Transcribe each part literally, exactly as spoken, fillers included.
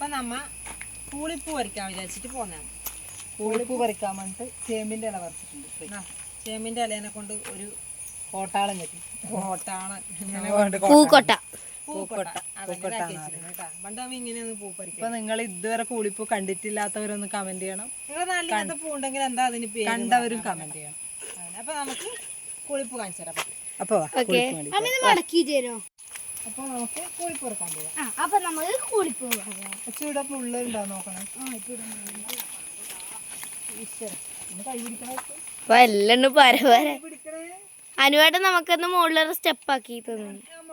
അപ്പൊ നമ്മ പൂളിപ്പൂ പറിക്കാൻ വിചാരിച്ചിട്ട് പോന്നാണ്. പൂളിപ്പൂ പറിക്കാൻ വേണ്ടിട്ട് ചേമ്പിന്റെ ഇല പറിച്ചിട്ടുണ്ട്. ചേമ്പിന്റെ ഇലേനെ കൊണ്ട് ഒരു കോട്ടാളം കെട്ടി കോട്ടാണ് പൂക്കൊട്ട പൂക്കൊട്ട പണ്ട് നമ്മ ഇങ്ങനെയൊന്ന് പൂ പറിക്കും. ഇപ്പൊ നിങ്ങൾ ഇതുവരെ പൂളിപ്പൂ കണ്ടിട്ടില്ലാത്തവരൊന്ന് കമന്റ് ചെയ്യണം. നിങ്ങളെ നാട്ടിൽ ഇങ്ങനത്തെ പൂ ഉണ്ടെങ്കിൽ എന്താ അതിന് പേര് കണ്ടവരും കമന്റ് ചെയ്യണം. അപ്പൊ നമുക്ക് പൂളിപ്പൂ കാണിച്ചു തരാം. അപ്പൊ മടക്കി തരോ? അപ്പൊ നമുക്ക് പൂളിപ്പൂ ഇറക്കാൻ പോവാം. അപ്പൊ നമുക്ക് കൂളിപ്പൂ ഇവിടെ പുള്ളുണ്ടോ നോക്കണം. എല്ലാം പര പര അനുവേട്ടൻ നമുക്കൊന്ന് മുകളിലൊരു സ്റ്റെപ്പ് ആക്കി തന്നു.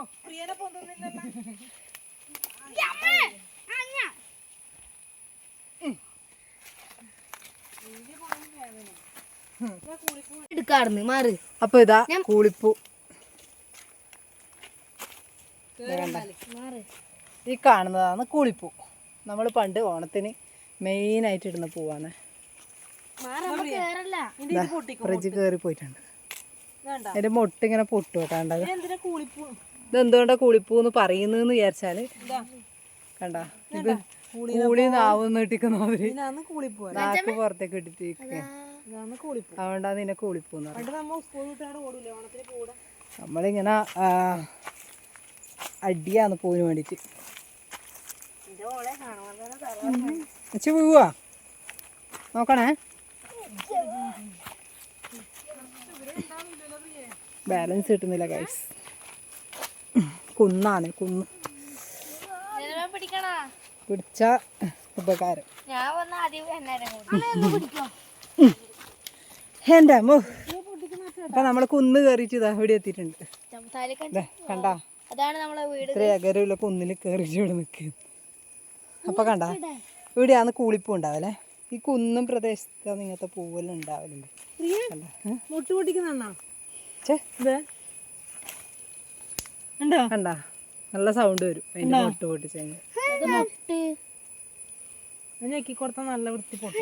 എടുക്കാറുണ്ട് മാറ്. അപ്പൊ ഇതാ കൂളിപ്പൂ. ഈ കാണുന്നതാണ് കൂളിപ്പൂ. നമ്മൾ പണ്ട് ഓണത്തിന് മെയിൻ ആയിട്ട് ഇടുന്ന പൂവാണ്. ഫ്രിഡ്ജ് കേറി പോയിട്ടുണ്ട്. അതിന്റെ മൊട്ട് ഇങ്ങനെ പൊട്ടു കേട്ടാണ്ടത്. ഇതെന്തുകൊണ്ടാ കൂളിപ്പൂ എന്ന് പറയുന്നതെന്ന് വിചാരിച്ചാല് കണ്ട ഇത് കൂളി നാവ് നീട്ടിക്കുന്നവര് നാക്ക് പുറത്തേക്ക് ഇട്ടിട്ട് അതുകൊണ്ടാണ് നിന്നെ കൂളിപ്പൂ എന്ന് പറയുന്നത്. നമ്മളിങ്ങനെ അടിയാന്ന് പൂവിന് വേണ്ടിട്ട് വെച്ച് പോവാ നോക്കണേ. ബാലൻസ് കിട്ടുന്നില്ല ഗൈസ്. കുന്നാണ് കുന്ന് പിടിച്ച ഉപകാരം. എന്റെ അമ്മോ. അപ്പൊ നമ്മള് കുന്ന് കയറിയിട്ട് ഇതാ ഇവിടെ എത്തിയിട്ടുണ്ട്. കണ്ടാ ഇത്ര അകരമുള്ള കുന്നിൽ കയറിയിട്ട് ഇവിടെ നിൽക്കുന്നു. അപ്പൊ കണ്ട ഇവിടെയാണ് കൂളിപ്പൂ ഉണ്ടാവല്ലേ. ഈ കുന്നും പ്രദേശത്താണ് ഇങ്ങനത്തെ പൂവെല്ലാം ഉണ്ടാവലുണ്ട്. മുട്ട് പൊട്ടിക്കുന്ന കണ്ടാ നല്ല സൗണ്ട് വരും അതിന്റെ മുട്ട് പൊട്ടിച്ച് ഞെക്കിക്കൊടുത്ത നല്ല വൃത്തി പൊട്ടി.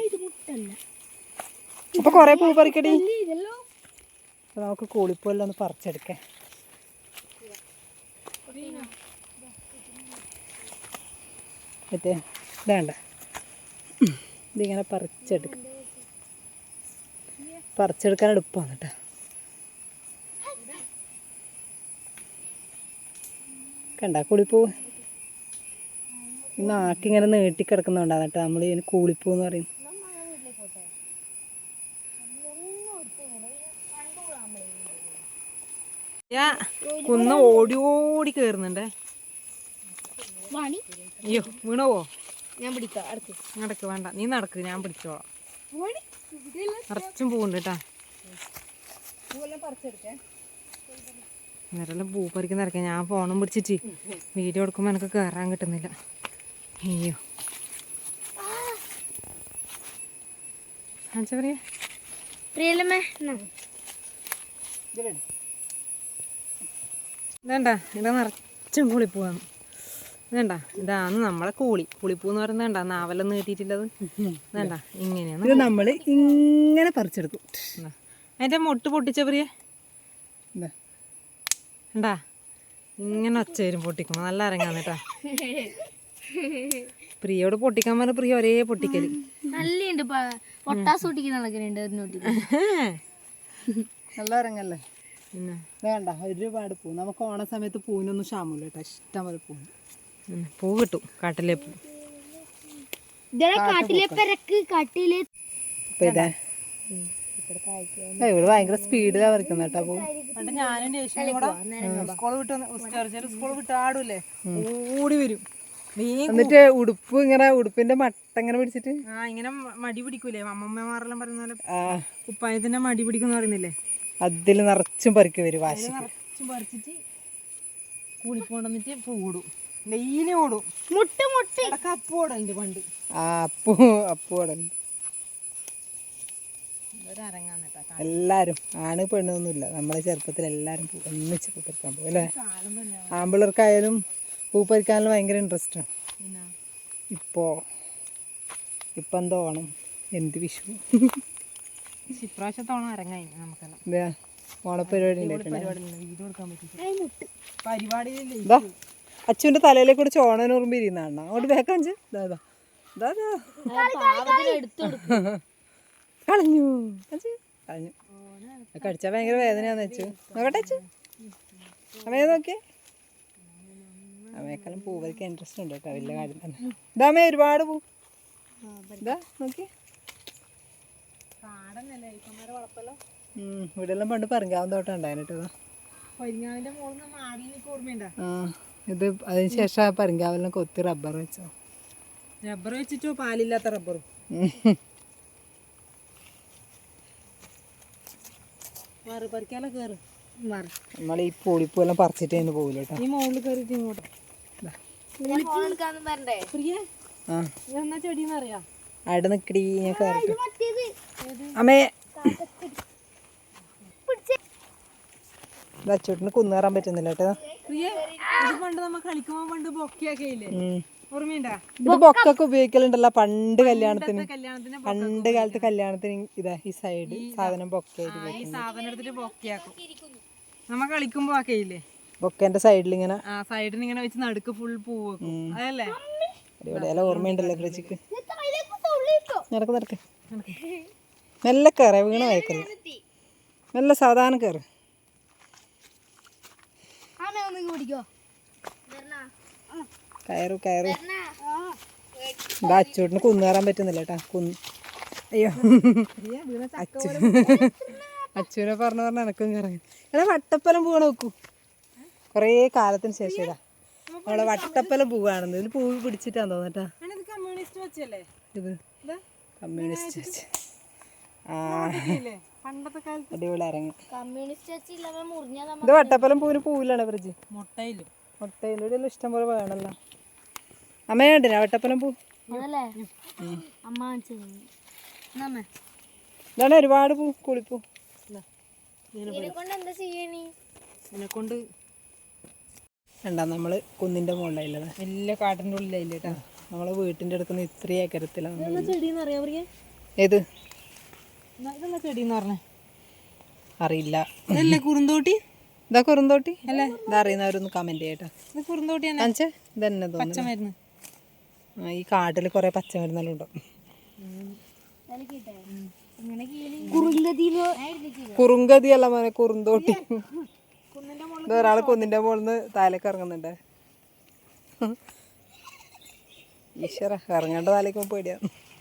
അപ്പൊ കൊറേ പൂ പറിക്കടി. നമുക്ക് കൂളിപ്പൂ എല്ലാം ഒന്ന് പറിച്ചെടുക്കാം. മറ്റേ ഇതാണ്ട ഇതിങ്ങനെ പറിച്ചെടുക്കാം. പറിച്ചെടുക്കാൻ എളുപ്പമാണ് കേട്ടോ. കണ്ട കൂളിപ്പൂ നാക്കിങ്ങനെ നീട്ടിക്കിടക്കുന്നുണ്ടാണ് കേട്ടോ. നമ്മൾ ഇതിന് കൂളിപ്പൂ എന്ന് പറയും. കുന്ന് ഓടി ഓടി കേറുന്നുണ്ടേ. അയ്യോ വീണോവോ? ഞാൻ പിടിക്കാം. നടക്ക് വേണ്ട, നീ നടക്ക്, ഞാൻ പിടിച്ചോളാം. നിറച്ചും പൂവുണ്ട് കേട്ടാ. ഇവരെല്ലാം പൂ പറിക്കുന്ന ഇറക്കാം. ഞാൻ ഫോണും പിടിച്ചിട്ട് വീഡിയോ എടുക്കുമ്പോൾ എനിക്ക് കയറാൻ കിട്ടുന്നില്ല. അയ്യോ എന്താ പറയാ ഇതേണ്ട ഇവിടെ നിറച്ചും കൂളിപ്പൂവാണ്. വേണ്ട ഇതാണ് നമ്മളെ കൂളി. കുളിപ്പൂ എന്ന് പറയുന്നത് വേണ്ട നാവലൊന്നും കിട്ടിയിട്ടില്ലത്. വേണ്ട ഇങ്ങനെയാണ് ഇത് നമ്മൾ ഇങ്ങനെ പറിച്ചെടുക്കും. അതിന്റെ മൊട്ട് പൊട്ടിച്ച പ്രിയ ഉണ്ടാ ഇങ്ങനെ ഒച്ച വരും പൊട്ടിക്കുമ്പോ. നല്ല അരങ്ങാന്ന് കേട്ടാ. പ്രിയോട് പൊട്ടിക്കാൻ പറഞ്ഞ പ്രിയ ഒരേ പൊട്ടിക്കല്. നല്ലുണ്ട് പൊട്ടാസ് പൊട്ടിക്കുന്ന നടക്കുന്നുണ്ട്. നല്ല അരങ്ങല്ലേ. പിന്നെ വേണ്ട ഒരുപാട് പൂ. നമുക്ക് ഓണ സമയത്ത് പൂവിനൊന്നും ക്ഷാമില്ല കേട്ടോ. ഇഷ്ടം പോലെ പൂ പൂ കിട്ടും. കാട്ടിലെ പൂ ഇവിടെ ഭയങ്കര സ്പീഡിലാ പറിക്കുന്ന കേട്ടോ പൂ. പണ്ട് ഞാനും ദേഷ്യം കൂടെ സ്കൂൾ വിട്ട് ചെറിയ സ്കൂൾ വിട്ട് ആടൂല്ലേ ഓടി വരും. എന്നിട്ട് ഉടുപ്പ് ഇങ്ങനെ ഉടുപ്പിന്റെ മട്ട ഇങ്ങനെ പിടിച്ചിട്ട് ആ ഇങ്ങനെ മടി പിടിക്കൂലേ അമ്മമ്മമാരെല്ലാം പറയുന്ന പോലെ. കുപ്പായത്തിന്റെ മടി പിടിക്കുന്ന പറയുന്നില്ലേ. അതിൽ നിറച്ചും പറിക്ക് വരും. വാശി നിറച്ചും പറിച്ചിട്ട് കൂളിപ്പോണ്ടെന്നിട്ട് പൂടും. ഡെയിലി ഓടും. മുട്ട മുട്ട അപ്പു ഓടലുണ്ട് പണ്ട്. ആ അപ്പു അപ്പു ഓടലുണ്ട്. എല്ലാരും ആണ് പെണ്ണൊന്നുമില്ല. നമ്മളെ ചെറുപ്പത്തിൽ എല്ലാരും ഒന്നിച്ച് പൂ പറിക്കാൻ പോകും അല്ലേ. ആമ്പിള്ളേർക്കായാലും പൂ പറിക്കാനും ഭയങ്കര ഇൻട്രസ്റ്റ് ആണ്. ഇപ്പോ ഇപ്പൊ എന്തോ ഓണം എന്ത് വിഷു ഇപ്രാവശ്യത്തെ ഓണം അരങ്ങായി നമുക്കെല്ലാം. എന്താ ഓണപ്പരിപാടി പരിപാടിയില്ലേ അച്ചുവിൻ്റെ തലയിലേക്ക് കൂടെ ചോണനുറുമ്പ് ഇരിക്കുന്നതാണ്. അങ്ങോട്ട് വേക്കാഞ്ച് ഇതാ ഇതാ ഇതാ കളഞ്ഞു അച്ചു കളഞ്ഞു. കടിച്ചാൽ ഭയങ്കര വേദനയാന്ന് വെച്ചു. നോക്കട്ടെ അച്ചു അമ്മയെ നോക്കിയേ. അമ്മയെക്കാളും പൂ പറിക്കാൻ ഇൻട്രസ്റ്റ് ഉണ്ട് കേട്ടോ, വലിയ കാര്യം തന്നെ. ഇതാമ്മേ ഒരുപാട് പൂ ഇതാ നോക്കി. ഇവിടെ എല്ലാം പണ്ട് പറങ്കാവുന്ന തോട്ടം ഉണ്ടായിരുന്നു കേട്ടോ. ആ ഇത് അതിന് ശേഷം ആ പറങ്കാവെല്ലാം കൊത്തി റബ്ബർ വെച്ചോ. റബ്ബർ വെച്ചിട്ടോ പാലില്ലാത്ത റബ്ബറും. പറിക്കാലോ കയറും നമ്മൾ ഈ പൂളിപ്പൂ എല്ലാം പറിച്ചിട്ട് അതിന് പോകില്ല കേട്ടോ. ഈ മുകളിൽ കയറിയിട്ട് ഇങ്ങോട്ട് ആ എന്നാ ചെടിന്ന് അറിയാം. അവിടെ നിക്കടി ഞാൻ കയറിട്ട് അമ്മേ അച്ചോട്ടിന് കുന്നേറാൻ പറ്റുന്നില്ല കേട്ടോ. പണ്ട് നമ്മ കളിക്കുമ്പോ പണ്ട് ബൊക്കെയൊക്കെ ഇല്ലേ, ഓർമ്മയുണ്ടാ? ഇത് ബൊക്കൊക്കെ ഉപയോഗിക്കലുണ്ടല്ലോ പണ്ട് കല്യാണത്തിന്. കല്യാണത്തിന് പണ്ട് കാലത്ത് കല്യാണത്തിന് ഇതാ ഈ സൈഡ് സാധനം ബൊക്കെ ഈ സാധനം എടുത്തിട്ട് ബൊക്കെയാക്കും. നമ്മ കളിക്കുമ്പോ ഒക്കെ ഇല്ലേ ബൊക്കേന്റെ സൈഡിൽ ഇങ്ങനെ ആ സൈഡിൽ ഇങ്ങനെ വെച്ച് നടുക്ക് ഫുൾ പൂ വെക്കും. അതല്ലേ അടിപൊളിയെല്ലാം ഓർമ്മയുണ്ടല്ലോ കൃഷിക്ക്. നടക്ക് നടക്ക് മെല്ലെ കയറ വീണ വയക്കല്ല, മെല്ലെ സാധാരണ കയറ്. കയറു കയറു. എന്താ അച്ചൂട്ടിന് കുന്നേറാൻ പറ്റുന്നില്ല കേട്ടാ. കുന്ന് അയ്യോ അച്ചു അച്ചുവിനെ പറഞ്ഞു പറഞ്ഞ എനക്കും കയറാൻ. എടാ വട്ടപ്പലം പൂവണ നോക്കൂ. കുറേ കാലത്തിന് ശേഷം ഇതാ നമ്മളെ വട്ടപ്പലം പൂവാണെന്ന്. ഇതിൽ പൂവ് പിടിച്ചിട്ടാന്ന് തോന്നട്ടാ. കമ്മ്യൂണിസ്റ്റ് വെച്ചല്ലേ ഇത് കമ്മ്യൂണിസ്റ്റ് വെച്ച്. ആ പണ്ടത്തെ കാലത്ത് അടിപൊളി ഇറങ്ങി. കമ്മ്യൂണിസ്റ്റ് ഇത് വട്ടപ്പലം പൂവിന് പൂവിലാണ് ഫ്രിഡ്ജ്. മുട്ടയിലും മുട്ടയിലും ഇവിടെ എല്ലാം ഇഷ്ടം പോലെ വേണമല്ലോ. അമ്മ കണ്ടിനാ വട്ടപ്പലം പൂ? ഇതാണ് ഒരുപാട് പൂ കുളിപ്പൂ. എന്നെക്കൊണ്ട് രണ്ടാ നമ്മള് കുന്നിന്റെ മുകളിലായില്ലത്, വലിയ കാട്ടിൻ്റെ ഉള്ളിലായില്ല കേട്ടോ. നമ്മളെ വീട്ടിന്റെ അടുക്കുന്ന ഇത്രയും ഏക്കരത്തിലാണ്. ചെടിന്ന് അറിയാൻ പറയാ ഏത് ഇതെന്താ ചെടിന്ന് പറഞ്ഞേ? അറിയില്ല. ഇതല്ലേ കുറുന്തോട്ടി? ഇതാ കുറുന്തോട്ടി അല്ലേ? ഇതറിയുന്നവരൊന്ന് കമന്റ് ചെയ്യട്ടോ. ഇത് കുറുന്തോട്ടി കാണിച്ചേ. ഇതന്നെ തോന്നുന്നു പച്ചമരുന്ന്. ഈ കാട്ടിൽ കുറെ പച്ചമരുന്നെല്ലാം ഉണ്ടോ. കുറുങ്കതി അല്ല മോനെ, കുറുന്തോട്ടി. ഒരാള് കുന്നിന്റെ മുകളിൽ നിന്ന് താലേക്ക് ഇറങ്ങുന്നുണ്ട്. ഈശ്വര ഇറങ്ങേണ്ട താലേക്ക് പേടിയാ.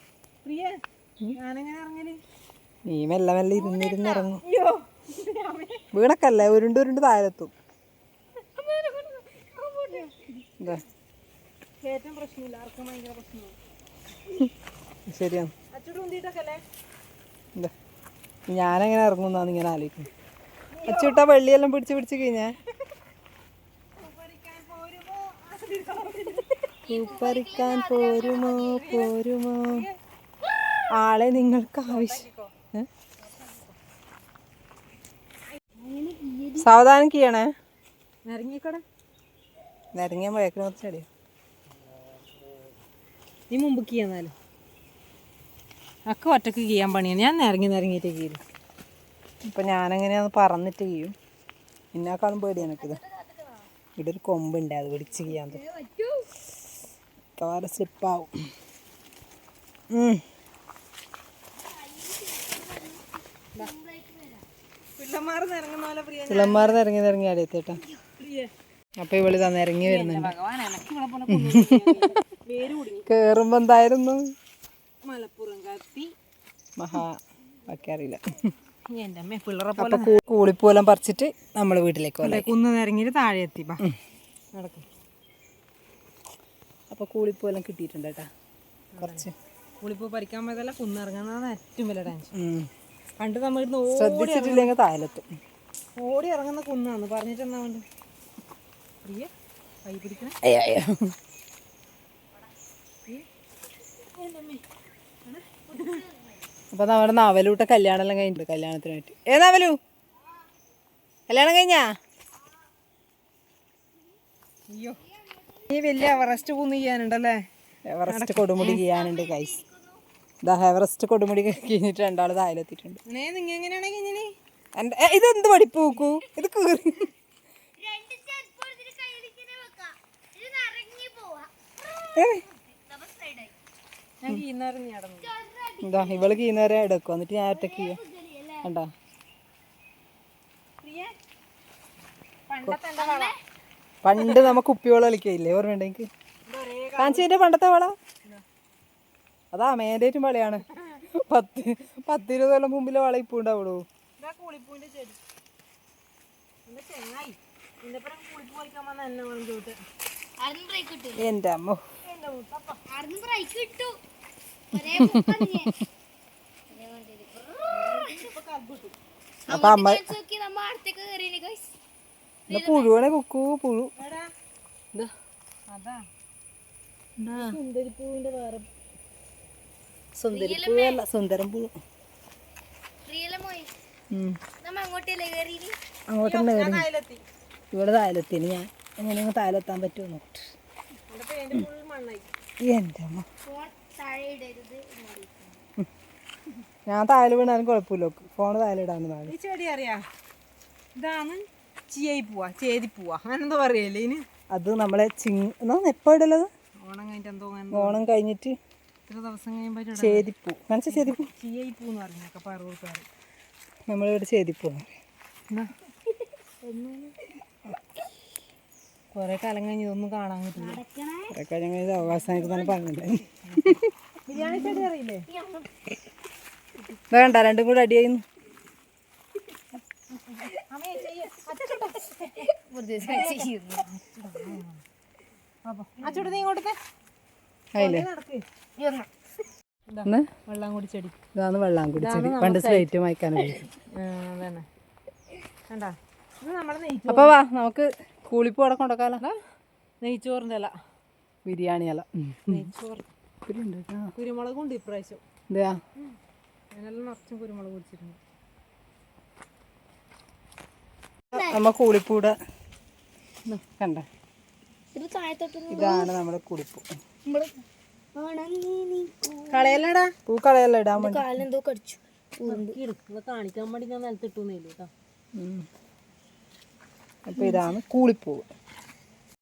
നീ മെല്ലെ മെല്ലെ ഇരുന്നിരുന്ന് ഇറങ്ങും. വീണക്കല്ലേ ഉരുണ്ട് ഉരുണ്ട് താഴെത്തും. ശരിയാണ്. ഞാനെങ്ങനെ ഇറങ്ങുന്നാന്ന് ഇങ്ങനെ ആലോചിക്കും. അച്ചുവിട്ടാ വെള്ളിയെല്ലാം പിടിച്ച് പിടിച്ച് കഴിഞ്ഞാ പറിക്കാൻ പോരുമോ പോരുമോ ആളെ നിങ്ങൾക്ക് ആവശ്യം. സാവധാനം ചെയ്യണേ. ഇറങ്ങിക്കോടെ നിരങ്ങിയ മുഴക്കിന് കുറച്ച് ചെടിയോ. നീ മുമ്പ് കീയെന്നാലും ഒക്കെ ഒറ്റക്ക് കീയാൻ പണിയാണ്. ഞാൻ നിരങ്ങി നിരങ്ങിയിട്ട് കീരും. ഇപ്പം ഞാനെങ്ങനെയാന്ന് പറന്നിട്ട് ചെയ്യും. എന്നെക്കാളും പേടി എനിക്കിത്. ഇവിടെ ഒരു കൊമ്പുണ്ട്, അത് പിടിച്ച് ചെയ്യാൻ മിക്കവാറും സ്ലിപ്പാവും. പിള്ളമാർ നിരങ്ങി നിരങ്ങി അടിയത്തേട്ടാ. അപ്പൊ ഇവള് തന്നെ ഇറങ്ങി വരുന്നുണ്ട്. കേറുമ്പോ എന്തായിരുന്നു മലപ്പുറം കത്തി മഹാ ഒക്കെ അറിയില്ല. എൻ്റെ അമ്മ പിള്ളേരെ അപ്പൊ കൂളിപ്പൂലെല്ലാം പറിച്ചിട്ട് നമ്മള് വീട്ടിലേക്ക് പോലെ കുന്ന് നിരങ്ങിട്ട് താഴെ എത്തി നടക്കും. അപ്പൊ കൂളിപ്പൂലെല്ലാം കിട്ടിയിട്ടുണ്ട് കേട്ടാ. കുറച്ച് കൂളിപ്പൂ പറിക്കാൻ പോയതല്ല, കുന്നിറങ്ങുന്നതാണ് ഏറ്റവും വലിയ ടെൻഷൻ. പണ്ട് നമ്മൾ ശ്രദ്ധിച്ചിട്ടില്ലെങ്കിൽ താഴെത്തും. ഓടി ഇറങ്ങുന്ന കുന്നാന്ന് പറഞ്ഞിട്ട് എന്നാ വേണ്ട പ്രിയ കൈ പിടിക്കണം. അപ്പൊ നമ്മുടെ നവലൂട്ട കല്യാണം എല്ലാം കഴിഞ്ഞിട്ടുണ്ട്. കല്യാണത്തിനായിട്ട് ഏ നവലു കല്യാണം കഴിഞ്ഞാ? അയ്യോ ഈ വലിയ എവറസ്റ്റ് കുന്ന് ചെയ്യാനുണ്ടല്ലേ. എവറസ്റ്റ് കൊടുമുടി ചെയ്യാനുണ്ട് ഗൈസ്. ഇതാ എവറസ്റ്റ് കൊടുമുടി കഴിഞ്ഞിട്ട് രണ്ടാള് താഴെത്തിയിട്ടുണ്ട്. ഇതെന്ത് പഠിപ്പ് നോക്കൂ. ഇത് കീറി ഞാൻ കീന്നേരം നീ അടന്നു എന്താ ഇവള് കീന്നേരം എടുക്കും എന്നിട്ട് ഞാൻ ഒറ്റക്ക് ചെയ്യാം കണ്ടാ പണ്ട് നമുക്ക് കുപ്പിവെള്ളം കളിക്കയില്ലേ ഓർമ്മയുണ്ട് എനിക്ക് കാഞ്ചിന്റെ പണ്ടത്തെ വള അതാ മേലേറ്റും വളയാണ് പത്ത് പത്തിരുപത് കൊല്ലം മുമ്പിലെ വള ഇപ്പൊ ഉണ്ടാവുള്ളൂ. കൂളിപ്പൂവിന്റെ ചെടി എന്റെ ചെങ്ങായി ഇതിന്റെപ്പുറം കൂളിപ്പൂ കളിക്കാൻ വന്ന എന്നെ വേണം ചോട്ട് എന്റെ അമ്മ അപ്പൊ അമ്മ പുഴുവാണെ കുക്കു പുഴു അതാ സുന്ദരിപ്പൂവിന്റെ വേറെ സുന്ദരിപ്പൂവല്ല സുന്ദരം പുഴു അങ്ങോട്ടന്നെ കയറി ഇവിടെ തായലെത്തിന് ഞാൻ എങ്ങനെയാണ് തായലെത്താൻ പറ്റുമോ നോക്കട്ടെ. എൻ്റെ അമ്മ ഞാൻ തായല് വീണാലും കുഴപ്പമില്ല ഫോണ് തായലിടാന്ന് താഴെ. ഈ ചെടി അറിയാ ഇതാണ് ചിയായി പോവാ ചേതി പോവാ അങ്ങനെ എന്തോ പറയല്ലേ ഇതിന്. അത് നമ്മളെ ചിങ് എന്നാ എപ്പോ ഇടലത് ഓണം കഴിഞ്ഞിട്ട് എന്തോ ഓണം കഴിഞ്ഞിട്ട് ഇത്ര ദിവസം കഴിയുമ്പോൾ ചേതിപ്പൂ മനസ്സിൽ ചേതിപ്പൂ ചിയായി പൂന്ന് പറഞ്ഞൊക്കെ പറവൂർക്കാർ നമ്മളിവിടെ ചേതിപ്പൂ കൊറേ കാലം കഴിഞ്ഞ് ഇതൊന്നും കാണാൻ പറ്റില്ല. കുറെ കഴിഞ്ഞ കഴിഞ്ഞ അവകാശമായിട്ട് തന്നെ പറഞ്ഞിട്ടുണ്ടായി. ബിരിയാണി ചെടി അറിയില്ലേ വേണ്ട രണ്ടും കൂടെ അടിയായിരുന്നു. അച്ചോട്ട് നീ ഇങ്ങോട്ടത്തെ അതില്ലേ വെള്ളം കൂടി ചെടി ഇതാണ് വെള്ളാങ്കുടി ചെടി പണ്ട് സ്ലേറ്റ് വായിക്കാൻ അതന്നെ കണ്ടാ ഇത് നമ്മളെ നെയ്ച്ചോറ്. അപ്പൊ വാ നമുക്ക് കൂളിപ്പൂ അവിടെ കൊണ്ടക്കാലോ. നെയ്ച്ചോറിൻ്റെ ഇല ബിരിയാണി അല്ല നെയ്ച്ചോറ് കുരുമുളകും ഉണ്ട് ഇപ്രാവശ്യം. എന്താ അതിനെല്ലാം നിറച്ചും കുരുമുളക് കുടിച്ചിട്ടുണ്ട്. നമ്മ കൂളിപ്പൂടെ കണ്ട ഇതാണ് നമ്മുടെ കൂളിപ്പൂ. കളയല്ലടാ പൂ കളയല്ല ഇടാൻ വേണ്ടി കാലെന്തോ കടിച്ചു കാണിക്കാൻ വേണ്ടി ഞാൻ നിലത്തിട്ടൂന്നില്ല കേട്ടോ. അപ്പൊ ഇതാണ് കൂളിപ്പൂ.